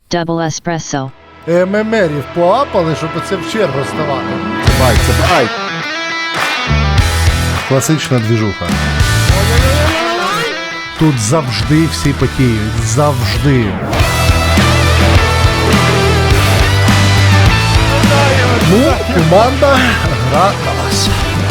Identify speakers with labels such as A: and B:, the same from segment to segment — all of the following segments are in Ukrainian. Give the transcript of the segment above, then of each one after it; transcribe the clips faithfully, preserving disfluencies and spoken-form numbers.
A: Double espresso.
B: ММРів поапали, щоб оце в чергу ставати.
C: Бай, це бай.
B: Класична двіжуха. Тут завжди всі потіють. Завжди. Ну, команда гра на вас.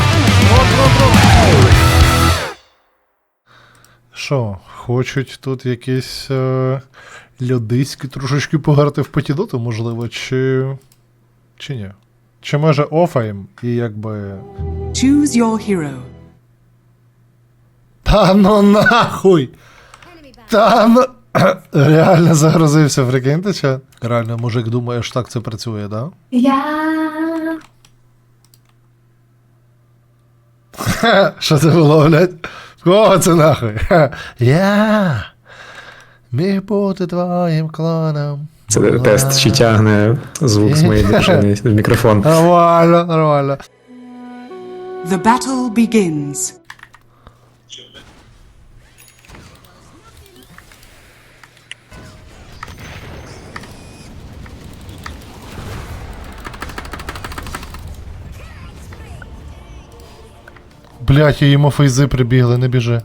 B: Що, хочуть тут якісь е, людиські трошечки пограти в потідоту, можливо, чи... чи ні? Чи може офаєм і якби...
D: Choose your hero.
B: Та ну нахуй! Та ну... Реально загрузився, прикиньте, чи? Реально, мужик думає, що так це працює, да?
E: Я...
B: Ха, що це було, блядь? Кого це нахуй? Ха, я міг бути твоїм клоном.
F: Це тест, чи тягне звук з моєї держини в мікрофон.
B: Нормально, нормально.
D: The battle begins.
B: Блять, йому фейзи прибігли, не біжи.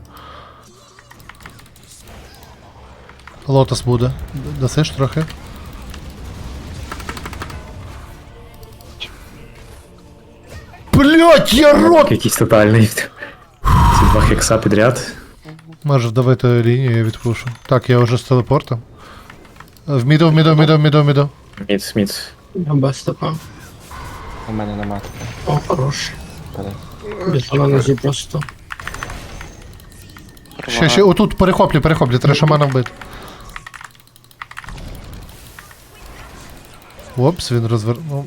B: Лотос буде. Дасиш трохи? Блять, я рот!
F: Якийсь тотальний. Ці два хекса підряд.
B: Може вдавити лінію, я відпушу. Так, я вже з телепортом. В міду, в міду, в міду, в міду, в міду.
F: Міц, міц.
G: Я без тепа.
C: У мене нема такого.
G: О, хорош.
C: Падай.
G: Без аналізі просто.
B: Ще, ще, отут, перехоплі, перехоплі, треба шамана вбити. Опс, він розвернув.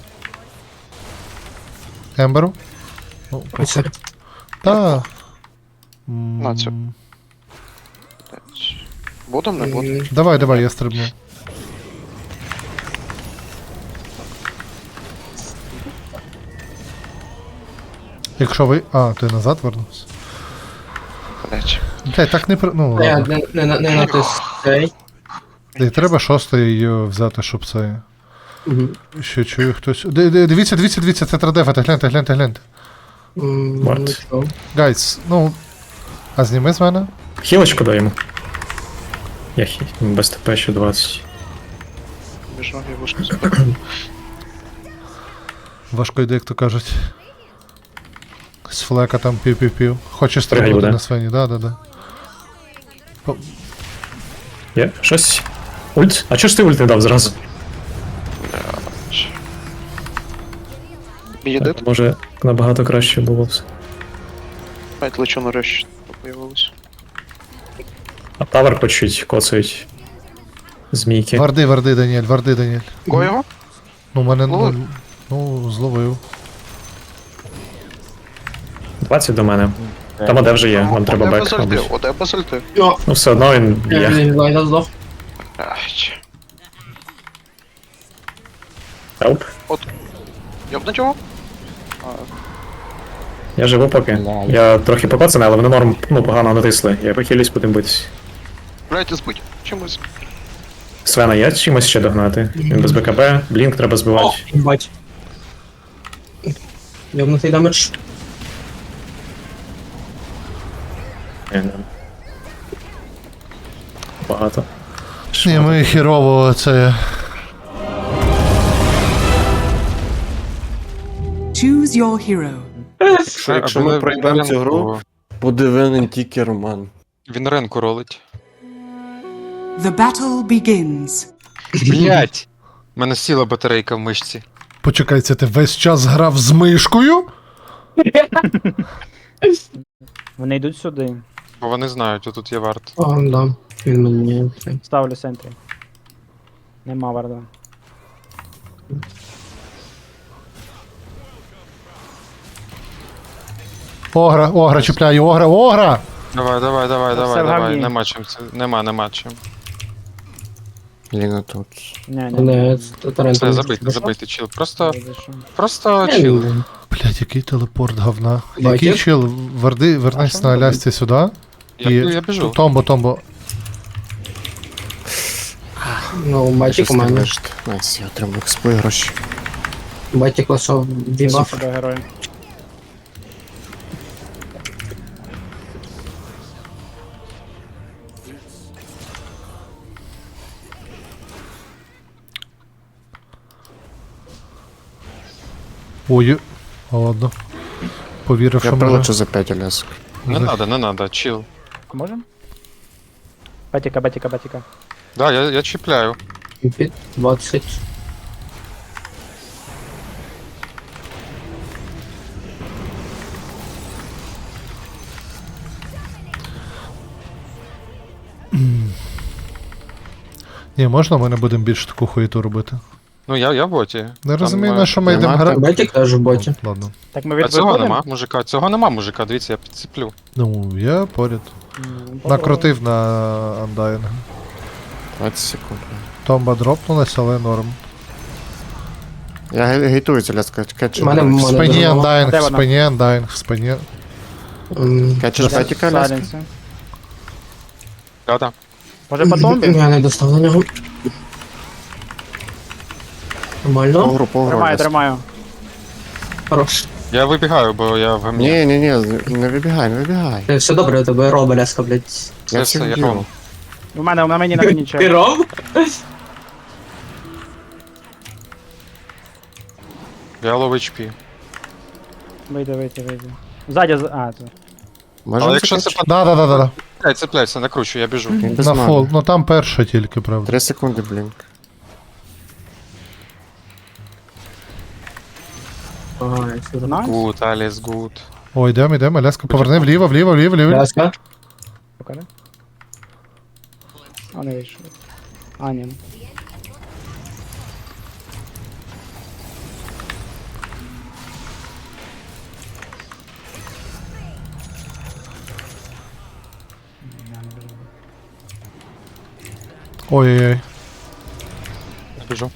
B: Емберу? Ну,
G: Оце.
B: та.
H: На цю.
B: М,
H: Будем, не будем?
G: М,
B: Давай, давай, я стрибну. Якщо ви... А, ти назад вернувся?
H: Блять.
B: Блять, так не при... Ну,
G: Не,
B: ладно.
G: не, не, не натис цей.
B: І треба шостий її взяти, щоб це...
G: Мгм.
B: Ще чую хтось... Ди- ди- Дивіться, дивіться, дивіться, це традефати, гляньте, гляньте, гляньте.
G: М,
F: Варт.
G: нічого.
B: Гайс, ну... А зніми з мене?
F: Хілочку дай йому. Я хі... без ТП ще двадцять.
H: Біжу, я вишку заберу.
B: Важко йде, як то кажуть. З флека там пів-пів-пів. Хоче стрибнути
F: буде.
B: на свині, да, да, да.
F: Є? Щось? Ульт? А чого ж ти ульт не дав зразу?
H: Бієдит?
F: Може, набагато краще було все.
H: П'ять лечу на рещ появилось.
F: А тавер по чуть коцають. Змійки.
B: Варди, варди, Даніель, варди, Даніель.
H: Го його?
B: Ну, мене...
H: Ловив?
B: Ну, ну, зловив.
F: двадцять до мене. Там оде вже є, вам треба
H: Оде
F: бек,
H: без ульти,
F: мабуть.
H: оде без ульти.
G: Йо,
F: Ну все одно він
G: я
F: б'є.
G: він глайда здох.
H: Ай,
F: Хелп.
H: Йобнуть його? А,
F: Я живу поки. Я трохи покоцаний, але вони норм, ну, погано натисли. Я похилюсь, будемо битись.
H: блять, збить. Чимось.
F: Свена є чимось ще догнати. Він без БКБ, блінк треба
G: О,
F: збивати.
G: бать. Йобнутий дамедж.
F: Ні, ні. Багато.
B: Ні, ми хірово це...
D: Choose your hero.
C: Що, якщо ми пройдемо цю гру, буде винен тільки Роман.
I: Він ренку ролить.
D: The battle begins.
I: Блять! У мене сіла батарейка в мишці.
B: Почекай, це ти весь час грав з мишкою?
J: Вони йдуть сюди.
I: Бо вони знають, тут є варт.
G: О, да. Він мені. цей.
J: Ставлю центрі. Нема варда.
B: Огра, огра, чіпляю, огра, огра!
I: Давай, давай, давай,
J: Це
I: давай,
J: все в
I: давай.
J: гавні.
I: Нема чим це. Нема, нема чим.
C: Ліна тут.
J: Ні, ні.
G: Не, це Тарент.
I: Це забити, забити, чил. Просто,
J: Зайшов.
I: просто чил.
B: Блять, який телепорт говна.
G: Бачиш?
B: Який чил? Варди, вернись на Алясці сюди.
I: Я,
B: І...
I: я біжу.
B: Томбо, томбо.
G: Ну, батік у мене.
C: Найс, я отримав експо і гроші.
G: Батік лишав дебаф.
J: Сюди герої.
B: Ой, а ладно. Повірив,
C: Я
B: що
C: прилечу
B: може.
C: за п'ять лясок.
I: Не надо, не надо, чил.
J: А можем? Батіка, батіка, батіка.
I: Да, я, я чіпляю.
G: Під двадцять.
B: Ні, можна ми не будемо більше таку хуєту робити?
I: Ну я, я в боті.
B: Не
I: Там,
B: розумію,
I: е,
B: на що ми
C: нема
B: йдемо
C: там
B: грати.
G: Батік теж в боті.
B: Ладно.
J: Так ми
I: А
J: від
I: цього
J: виходимо?
I: нема, мужика, цього нема, мужика, дивіться, я підцеплю.
B: Ну, я поряд.
J: Ну, попробуй.
B: Накрутив на Undying.
C: двадцять секунд.
B: Томба дропнулась, але норм.
C: Я ге- гейтую ця ляска. Кетчер.
G: У мене
B: В
G: Мене
B: спині
G: дуже мало.
B: Undying,
J: Де
B: в
J: вона?
B: спині Undying, в спині.
G: М,
C: Кетчер бетіка ляска.
J: Сайленси.
I: Да-да.
J: Може по томбі?
G: Я не достав до нього. Нормально.
C: Погру, погру.
J: Тримаю,
C: ляска.
J: тримаю.
G: Хорош.
I: Я вибігаю, бо я в гамні.
C: Ні, ні, ні, не вибігай, не вибігай.
G: Е, Все добре, у тебе роба ляска, блядь.
I: Все,
C: Я
I: все,
C: всіх
I: я
C: б'ю.
I: ром.
J: У мене, на мені, на мені
G: Ти
J: чек.
G: роб?
I: Я лов ейч пі.
J: Вийди, вийди, вийди. Ззаді, з- а, це.
C: Можемо
I: Але якщо це
C: закетчити?
B: Да, да, да, да, да.
I: Цепляй, цепляйся, накручу, я біжу.
C: Він без
B: На
C: мани.
B: фол. Ну там перша тільки, правда.
C: Три секунди, блінк.
G: Ага, я сюди.
J: Найс.
I: Гуд, Аліс, гуд.
B: Ой, йдемо, йдемо, Ляска, поверни вліво, вліво, вліво, вліво.
G: Ляска.
J: Покажи. А, не вийшов. А, ні.
B: Ой-ой-ой.
I: Я біжу.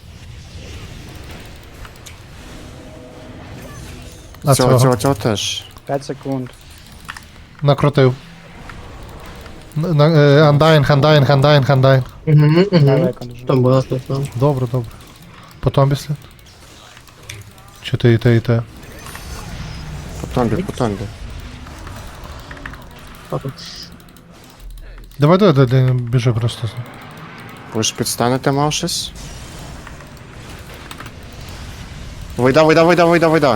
B: А
C: Цього,
B: цього
C: цього, цього теж.
J: п'ять секунд.
B: накрутив. Н- на- е, Undying, Undying, Undying, Undying.
G: Угу, угу.
J: Далеко дуже.
G: Там було слухно.
B: Добре, добре. Потом після. Чи те і те, і те.
C: По томбі, по томбі.
B: Давай, давай, давай, давай, біжи просто.
C: Ви ж підстанете, мав щось? Вийда, вийда, вийда, вийда, вийда.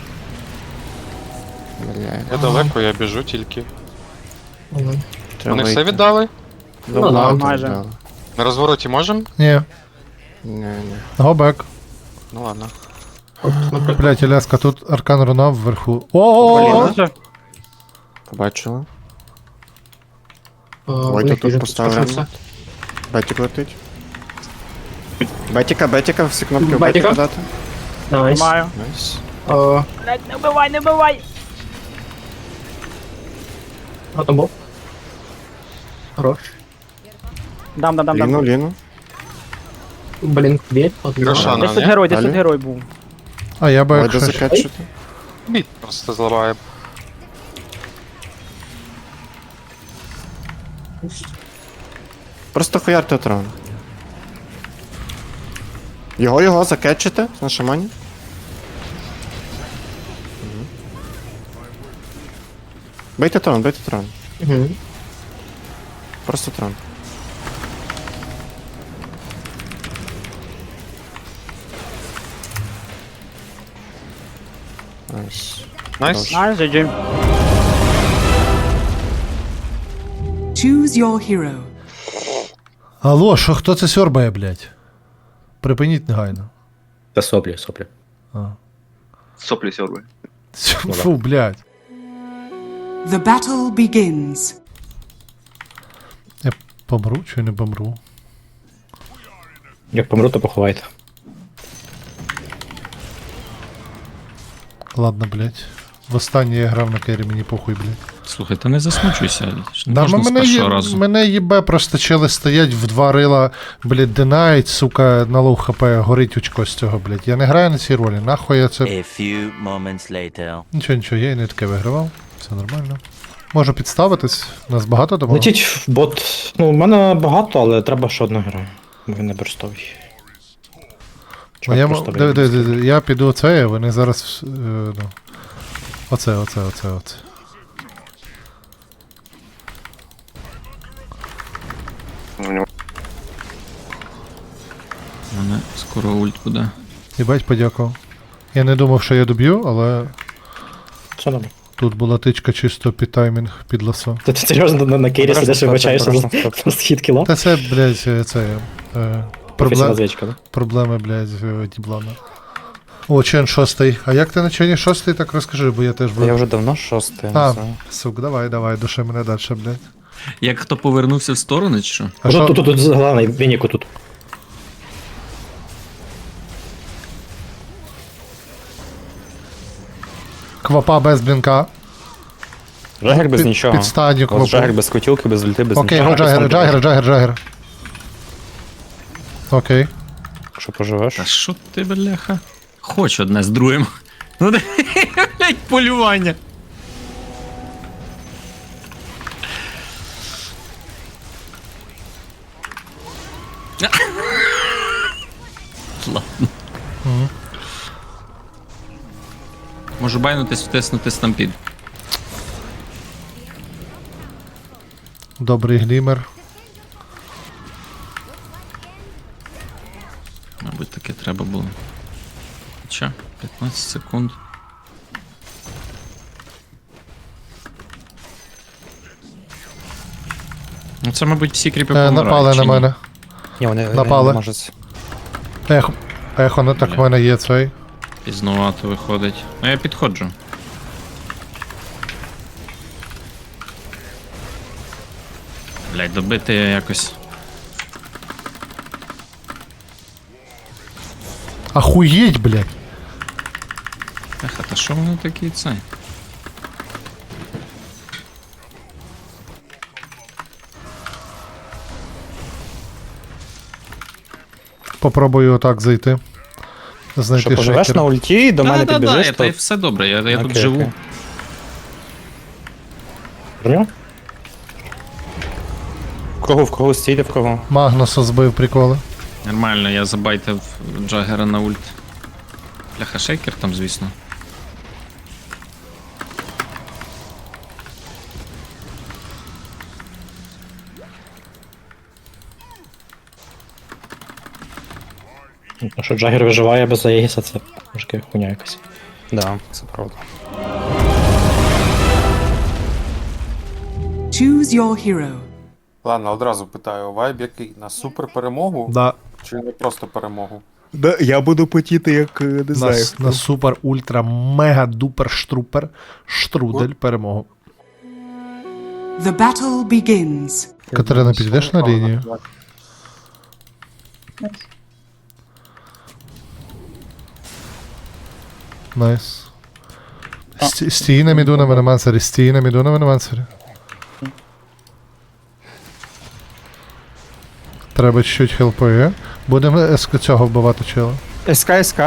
C: Бля,
I: Я далеко, я біжу тільки.
G: Ага.
C: треба
I: Вони все
C: вийти.
I: віддали?
C: Ну,
G: Ну, да,
C: ладно,
J: майже.
C: да.
I: На розвороті можем?
B: Ні,
C: Ні, ні.
B: go back.
I: Ну ладно.
B: Блять, Ляска, тут аркан руна вверху. О!
J: Блін, це-
C: Побачили.
G: А,
C: Войта
G: Войт
C: тут
G: вже
C: поставив.
G: підскочився.
C: Бетік летить. Бетіка, бетіка, всі кнопки в
G: Бетіка?
C: бетіка дати.
G: Найс.
J: Тримаю.
C: Найс.
G: А,
J: Блять, не вбивай, не вбивай!
G: а там був? Хорош.
J: Дам, дам, дам, дам.
C: Ліну, ліну.
G: Блін, дві. Одна.
I: Рошан.
J: Десь тут
I: ні?
J: герой, десь тут
C: Далі?
J: герой був.
B: А я би
C: Войда
B: якщо...
C: закетчити.
I: Біт просто зламає.
C: Просто хуярте трон. Його, його закетчите на шамані. Мгм. Бейте трон, бейте трон.
G: Угу.
C: Просто трон. Найс.
I: Найс.
J: Найс, джі джі.
D: Choose your hero.
B: Алло, що хто це сьорбає, блять? Припиніть негайно.
F: Та соплі, соплі.
B: А.
H: Соплі сьорби.
B: Фу, блять.
D: The battle begins.
B: Я помру чи не помру?
F: Як помру, то поховайте.
B: Ладно, блять. Востаннє я грав на кері, мені похуй, блять.
A: Слухай, та не засмучуйся. Не
B: Да,
A: можна
B: ну,
A: з
B: мене,
A: першого
B: є,
A: разу.
B: мене їбе просто чели стоять в два рила, блять, динають, сука, на лоу хп, горить очко з цього, блять. Я не граю на цій ролі, нахуй я це.
E: A few moments later.
B: Нічого, нічого, я і не таке вигравав, все нормально. Можу підставитись, нас багато дома.
F: Летіть в бот. Ну, в мене багато, але треба ще одна гра. Він не бурстовий.
B: Моєму... Диви, диви, диви, я піду оце, а вони зараз. Е, ну. Оце, оце, оце, оце.
A: У мене скоро ульт буде.
B: Їбать, подякував. Я не думав, що я доб'ю, але
F: Все добре.
B: тут була тичка чисто під таймінг, під ласо.
F: Ти, ти серйозно на, на кейрі сидиш і вибачаєшся за, за схід кіла?
B: Та це, блядь, е, це. Е,
F: Професійна
B: проблем...
F: звичка, да?
B: Проблеми, блядь, е, діблана. О, чен шостий. А як ти на чені шостий, так розкажи, бо я теж був.
F: Я вже давно шостий.
B: А, сук, давай, давай, души мене далі, блядь.
A: Як хто повернувся в сторону, чи що?
B: А
F: Тут,
B: що?
F: тут, тут, тут, головне, Вініку тут.
B: Квапа без блінка.
F: Джагер без
B: Під-
F: нічого.
B: Підстаню
F: У вас Джагер
B: квапу.
F: без кутілки, без ульти, без
B: Окей,
F: нічого.
B: го джагер, джагер, джагер, джагер. Окей.
F: Що поживеш?
A: Та що ти, бляха? Хоч одне з другим. Ну, де, блядь, полювання. Ладно. Можу байнутись, втиснути стампід.
B: Добрий глімер.
A: Мабуть, таке треба було. Хоча, п'ятнадцять секунд. Ну це, мабуть, всі кріпи
B: Е,
A: помирають,
B: напали
A: чи
B: на
A: ні?
B: мене.
F: Ні, вони
B: Напали.
F: можуть.
B: Ехо, ехо, не так в мене є цей.
A: Пізнувато виходить. Ну я підходжу. Блять, добити якось.
B: Ахуєть, блядь.
A: Еха, та що воно такі це?
F: Попробую
B: отак зайти. Знайти
F: Що, поживеш
B: шейкер.
F: на ульті, до мене
A: да, да,
F: підбіжиш,
A: да,
F: то...
A: та все добре, я, я тут
F: Окей,
A: живу.
F: окей. Броню? В кого, в кого стійте, в кого?
B: Магнуса збив, приколи.
A: Нормально, я забайтив Джаггера на ульт. Бляха, шейкер там, звісно.
F: Ну що Джагер виживає без Аегіса, це трошки хуйня якась. Да, це правда.
D: Choose your hero.
K: Ладно, одразу питаю, вайб який? На супер перемогу?
B: Да.
K: Чи не просто перемогу?
C: Да, я буду потіти, як не
B: На,
C: знаю.
B: с- на супер, ультра, мега, дупер, штрупер, штрудель, перемогу.
D: The battle begins.
B: Катерина, підійдеш на лінію? Найс. Сті- Стій на міду на мене мансері, стій на міду на мене мансері. Треба чуть-чуть хелпи. Будемо еск цього вбивати чела.
C: СК, СК.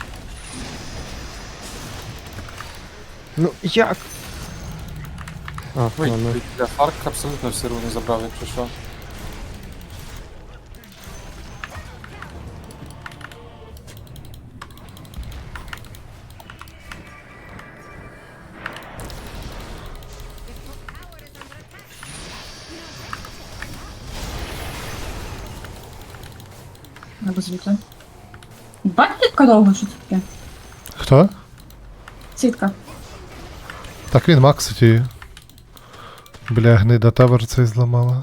C: Ну, як? А,
K: Ой,
C: ладно.
K: я Фарк абсолютно всі руни забрав, якщо що.
L: Звідти. Бачите, яка довго, що це таке?
B: Хто?
L: Сітка.
B: Так він максить її. Бля, гнида тавер цей зламала.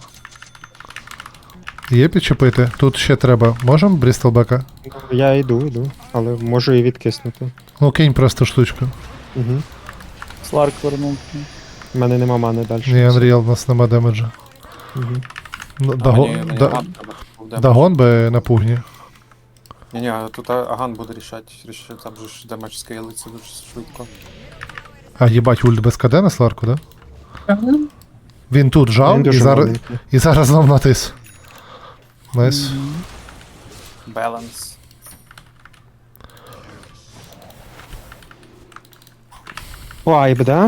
B: Є підчепити? Тут ще треба. Можем Брістелбека?
C: Я йду, йду, але можу і відкиснути.
B: Ну кинь просто штучку.
C: Угу.
J: Сларк вернув.
C: У мене нема мани далі.
B: Ні, Unreal, у нас нема демеджа.
C: Угу.
B: Ну,
K: А
B: Даго-
K: мені не
B: да-
K: Аган треба, щоб був демедж.
B: Дагон би на пугні.
K: Ні-ні, тут Аган буде рішати, рішати, там же ж демедж скейлиться дуже швидко.
B: А їбать, ульт без КД на Сларку, да?
L: Правда?
B: Він тут жав
C: Він
B: і
C: дуже
B: зараз,
C: маленький.
B: і зараз знов натис. Найс.
K: Баланс.
C: Вайб, да?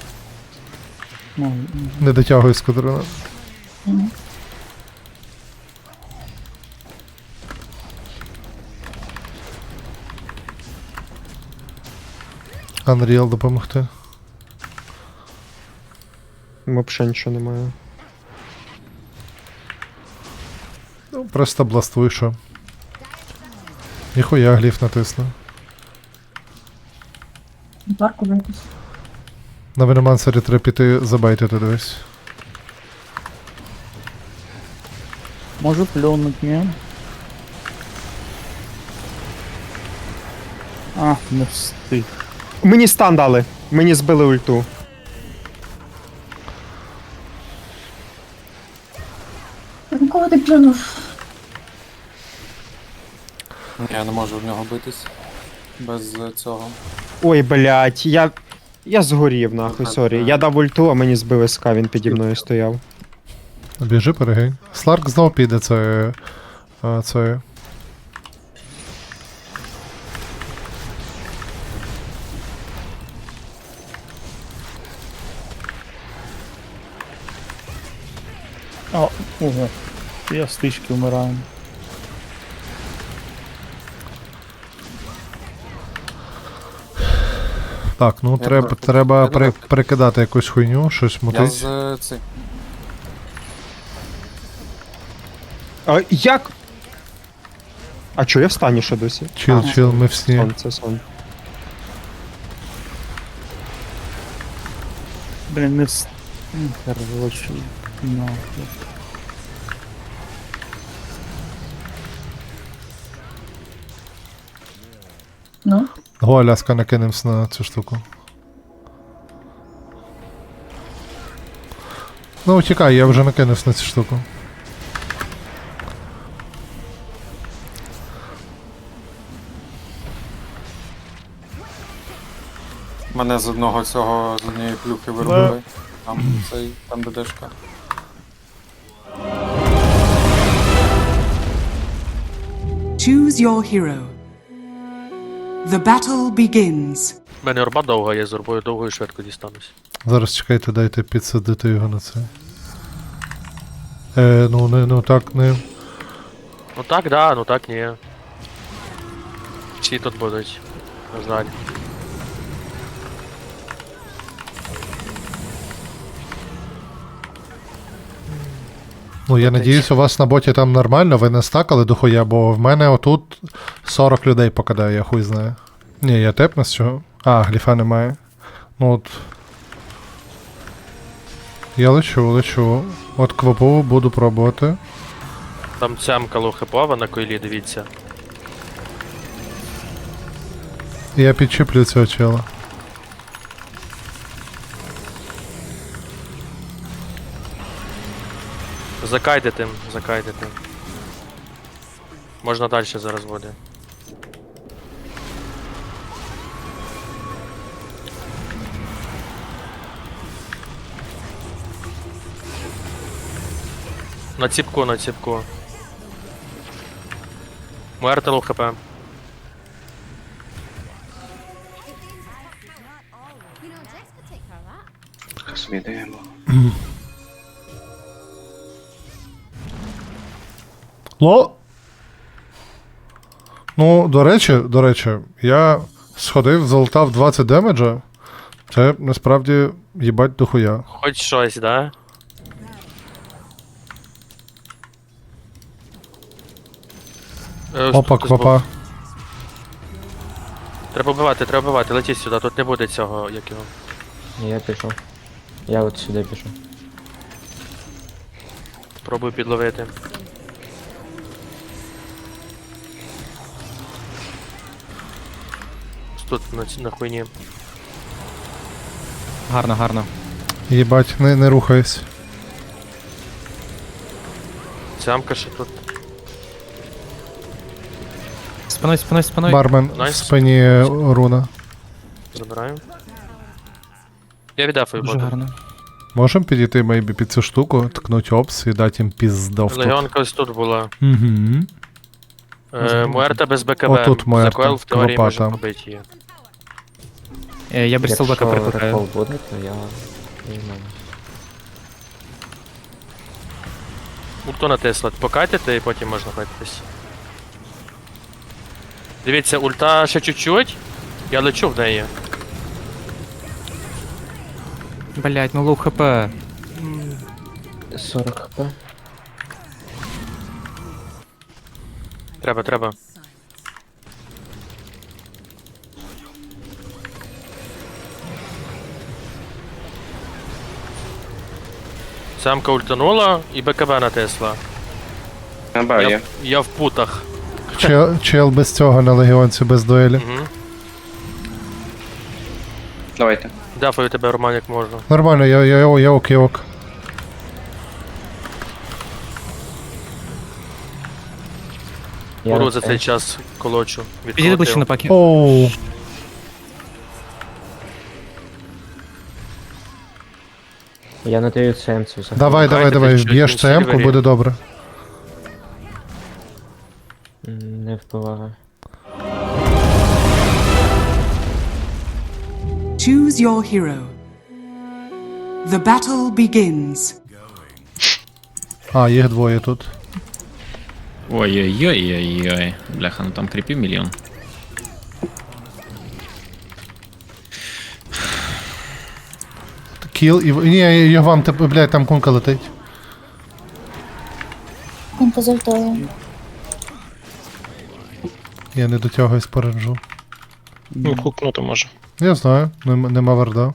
J: Ну,
B: Не дотягує з квадрона. Unreal допомогти.
F: Взагалі нічого немає.
B: Ну, просто бластвуй, що. Ніхуя гліф натисну.
L: Парку витись.
B: На Веномансері треба піти забайтити дивись.
J: Можу плюнуть, ні? А, не встиг.
F: Мені стан дали. Мені збили ульту.
L: Кого ти плюнув?
K: Ні, я не можу в нього битись. Без е, цього.
F: Ой, блядь, я. Я згорів, нахуй, сорі. Я дав ульту, а мені збили СК, він піді мною стояв.
B: Біжи, перегинь. Сларк знов піде це. А, це.
J: О, ого. Я стички вмираю.
B: Так, ну
K: Я
B: треба,
K: трохи-
B: треба
K: я
B: при,
K: трохи-
B: прикидати якусь хуйню, щось
K: Я
B: мутить.
K: з е, цим.
F: А як? А чо я в стані ще досі?
B: Чил,
F: А,
B: чил, ми в сні.
F: Сон, це сон.
J: Блін, не встиг. Короче, нахуй.
L: Ну,
B: Го, Аляска, накинемось на цю штуку. Ну, тікай, я вже накинувся на цю штуку.
K: Мене з одного цього, з однієї плюхи виробили. Там цей, там ДДшка.
D: Choose your hero. The battle begins.
H: У мене орба довга, я з орбою довго і швидко дістанусь.
B: Зараз чекайте, дайте підсадити його на це. Е, ну, не, ну так, не.
H: Ну так, да, ну так ні. Всі тут будуть. На жаль.
B: Ну, я надіюсь, у вас на боті там нормально, ви не стакали дохуя, бо в мене отут сорок людей покидає, я хуй знаю. Ні, я тепну з чого. А, гліфа немає. Ну от. Я лечу, лечу. От квапу буду пробувати.
H: Там цямка лохипова на койлі, дивіться.
B: Я підчіплю цього чела.
H: Закайдете, закайдете. Можна далі зараз буде. На ціпку, на ціпку. Муерта лоу хп.
B: Ло. Ну, до речі, до речі, я сходив, залутав двадцять демеджа. Це насправді їбать дохуя.
H: Хоч щось, да? Е,
B: Опа,
H: тут
B: квапа.
H: Треба вбивати, треба вбивати, летіть сюди, тут не буде цього, як його.
G: Я пішов. Я от сюди пішов.
H: Пробую підловити. Тут на, ці- на хуйні.
F: Гарно, гарно.
B: Їбать, не, не рухайся.
H: Цямка ще тут.
F: Спиною, спиною, спиною.
B: Бармен в
H: Найс.
B: спині руна.
H: Забираю. Я віддафую
F: Дуже
H: бота.
F: гарно.
B: Можем підійти мейбі під цю штуку, ткнуть опс і дати їм піздов тут.
H: Легіонка ось тут була.
B: Угу.
H: Е, Муерта без БКБ.
B: Отут Муерта,
H: Закойл в теорії
B: квапа
H: може
B: там.
H: побити її.
F: Я Брістолбека перекликаю.
G: буде, то я не знаю.
H: Ульту натисла. Покатите і потім можна файтитись. Дивіться, ульта ще чуть-чуть. Я лечу в неї.
A: Блять, ну лоу хп.
G: сорок хп.
H: Треба, треба. Самка ультанула і БКБ натисла. Я, я в путах.
B: Чел, чел без цього на легіонці, без дуелі.
H: Угу.
C: Давайте.
H: Дафаю тебе, Роман, як можна.
B: Нормально, я, я, я, я ок, я ок.
G: Я
H: Уру
G: на
H: за
G: це.
H: цей час колочу.
A: Підійди ближче на
H: Відколотив.
A: пакі.
B: Оу.
G: Я на тою цемцю заходжу.
B: Давай, давай,
H: Грайте
B: давай,
H: чуть-чуть,
B: вб'єш
H: він
B: цемку,
H: сильвері.
B: буде добре.
G: М, Не впливає.
D: Choose your hero. The battle begins.
B: А, їх двоє тут.
A: Ой-ой-ой-ой-ой. Бляха, ну там кріпів мільйон.
B: Кіл і... Ні, я вам, тип- блядь, там кунка летить. Я не дотягуюсь по ренджу.
F: Ну, хукнути може.
B: Я знаю, нем- нема варда.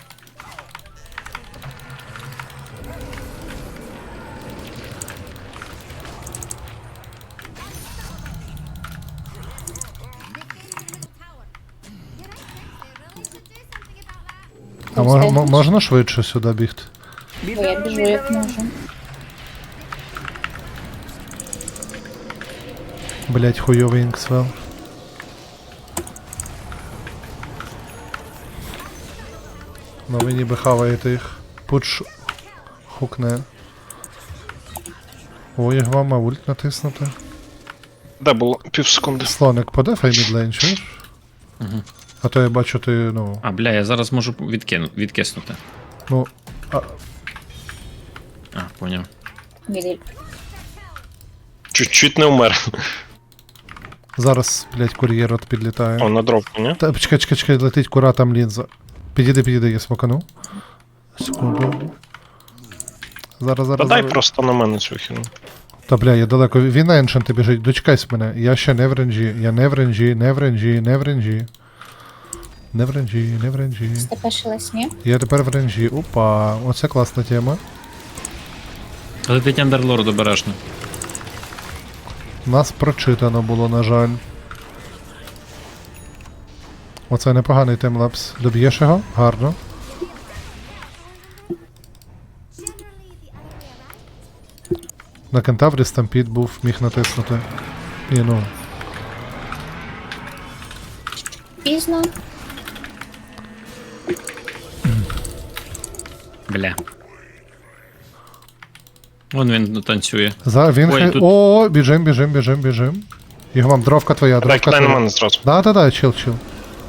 B: А мо- мо- можна швидше сюди бігти?
L: Я біжу як можу.
B: Блять, хуйовий інксвел. Ну ви ніби хаваєте їх. Пуч хукне. Ой, як вам ульт натиснути.
F: Де було? Пів секунди.
B: Слоник, подефай мідлейн, чуєш?
A: Угу.
B: А то я бачу, ти, ну,
A: А, бля, я зараз можу відкину, відкиснути.
B: ну, а,
A: А, поняв.
F: Чуть-чуть не вмер.
B: зараз, блять, кур'єр от підлітає.
F: О, на дровку, ні?
B: Та, чекай, чекай, чекай, летить кура, там лінза. Підійди, підійди, я смокану. Секунду. Зараз,
F: Та
B: зараз,
F: дай
B: зараз.
F: просто на мене цю хіну.
B: Та бля, я далеко. Він на еншенти біжить. Дочекайся мене. Я ще не в ренджі. Я не в ренджі, не в ренджі, не в ренджі. Не в ренджі, не в ренджі.
L: Степешилась, ні?
B: Я тепер в ренджі. Опа, оце класна тема.
A: Летить андерлорд обережно.
B: Нас прочитано було, на жаль. Оце непоганий таймлапс. Доб'єш його? Гарно. На кентаврі стампід був, міг натиснути. І ну.
L: Пізно.
A: Бля. Вон він танцює.
B: За, він
A: Ой,
B: хай...
A: тут-
B: О, біжим, біжим, біжим, біжим. Його вам, дровка твоя,
F: Дай
B: дровка
F: кидай на
B: твоя.
F: мене зразу.
B: Да, да, да, чил, чил.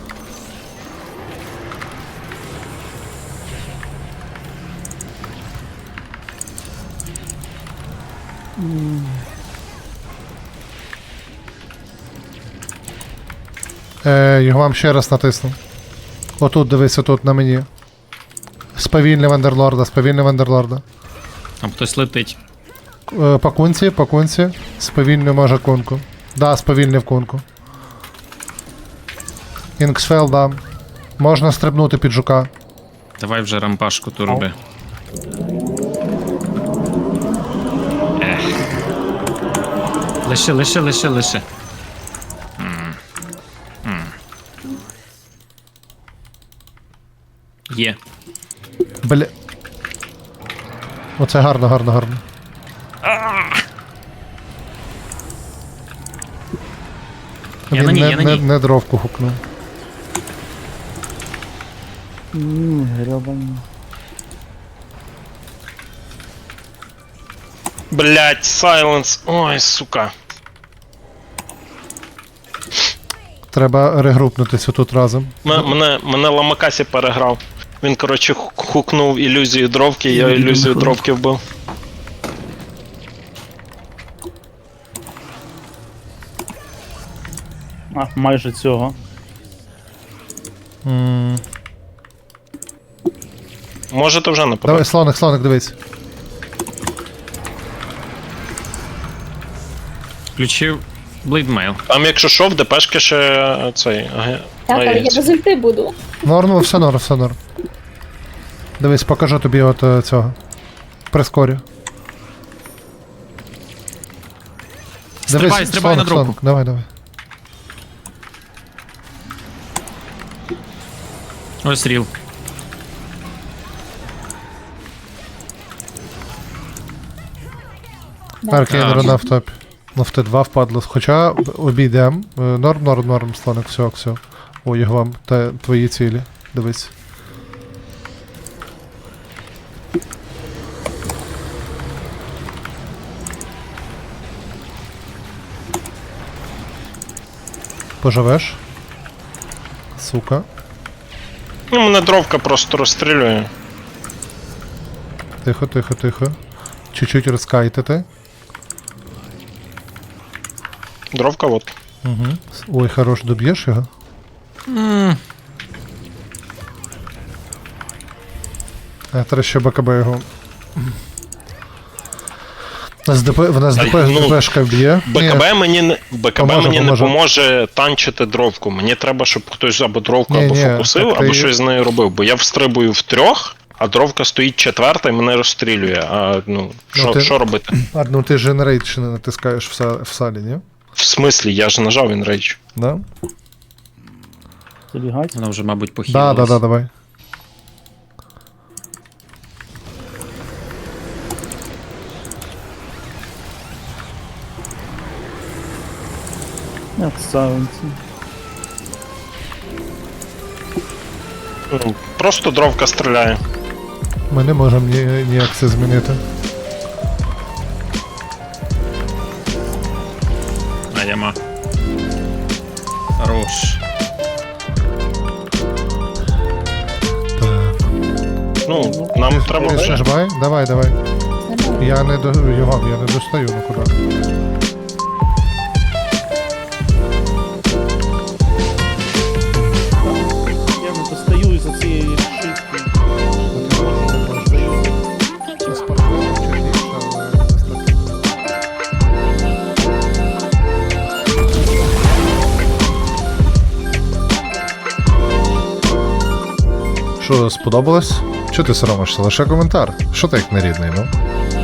B: Е, його вам ще раз натиснув. Отут, дивись, отут на мені. Сповільнив Вандерлорда, сповільнив Вандерлорда.
A: Там хтось летить.
B: Е, по кунці, по кунці. Сповільнив може кунку. Да, сповільнив кунку. Інксфел дам. Можна стрибнути під жука.
A: Давай вже рампашку ту роби. Ех. Лише, лише, лише, лише. М. М. Є.
B: Бля. Оце гарно, гарно, гарно.
A: Я
B: Він
A: на ній,
B: не,
A: я на
B: не,
A: ній.
B: не дровку хукнув.
J: Ммм, гребані.
F: Блять, сайленс. Ой, сука.
B: Треба регрупнутися тут разом.
F: М- мене, мене Ламакасі переграв. Він, коротше, ху- хукнув ілюзію дровки, я ілюзію дровки вбив.
J: А, майже цього.
B: М.
F: Можете вже нападати.
B: Давай, слоник, слоник, дивись.
A: Включив блейдмейл.
F: Там, якщо що, в ДПшки ще е, цей. Ага.
L: Так, але я без ульти буду.
B: Норм, все норм, все норм. Дивись, покажу тобі от е, цього. Прискорю.
A: Стрибай, стрибай на
B: слоник,
A: дропку.
B: слоник. Давай, давай.
A: Ось ріл.
B: Аркейн
A: А,
B: рана в топі. Ну в Т два впадло. Хоча обійдем. Е, Норм, норм, норм, слоник, все, все. Ой, вам, та твої цілі. Дивись. Поживеш? Сука.
F: Ну, мене дровка просто розстрілює.
B: Тихо, тихо, тихо. Чуть-чуть розкайтити.
F: Дровка от.
B: Угу. Ой, хорош, доб'єш його?
A: М,
B: А, треба ще БКБ його. В нас ДП, в нас
F: Та,
B: ДП,
F: ну,
B: ДПшка б'є.
F: БКБ мені не БКБ
B: Поможе,
F: мені
B: поможе.
F: не поможе танчити дровку. Мені треба, щоб хтось або дровку
B: Ні,
F: або
B: ні,
F: фокусив,
B: так ти-
F: або щось з нею робив. Бо я встрибую в трьох, а дровка стоїть четверта і мене розстрілює. А ну, що
B: ти-
F: що робити?
B: А, ну ти ж Generate ще не натискаєш в, са- в салі, ні?
F: В смислі, я ж нажав він рейдж.
B: Да?
J: Забігать.
A: Вона вже, мабуть,
B: Да,
A: похилилась.
B: да, да, давай.
J: Як саунці.
F: Ну, просто дровка стріляє.
B: Ми не можемо ні, ніяк це змінити.
A: А, яма. Хорош.
B: Так.
F: Ну, нам треба.
B: Ти ще жбай? Давай, давай. Я не до його, я не достаю, ну куди.
J: Я не достаю із-за цієї шишки.
B: Спортсмен чуть більше, але достатньо. Що, сподобалось? Чого ти соромишся? Лише коментар. Що ти як нерідний, ну?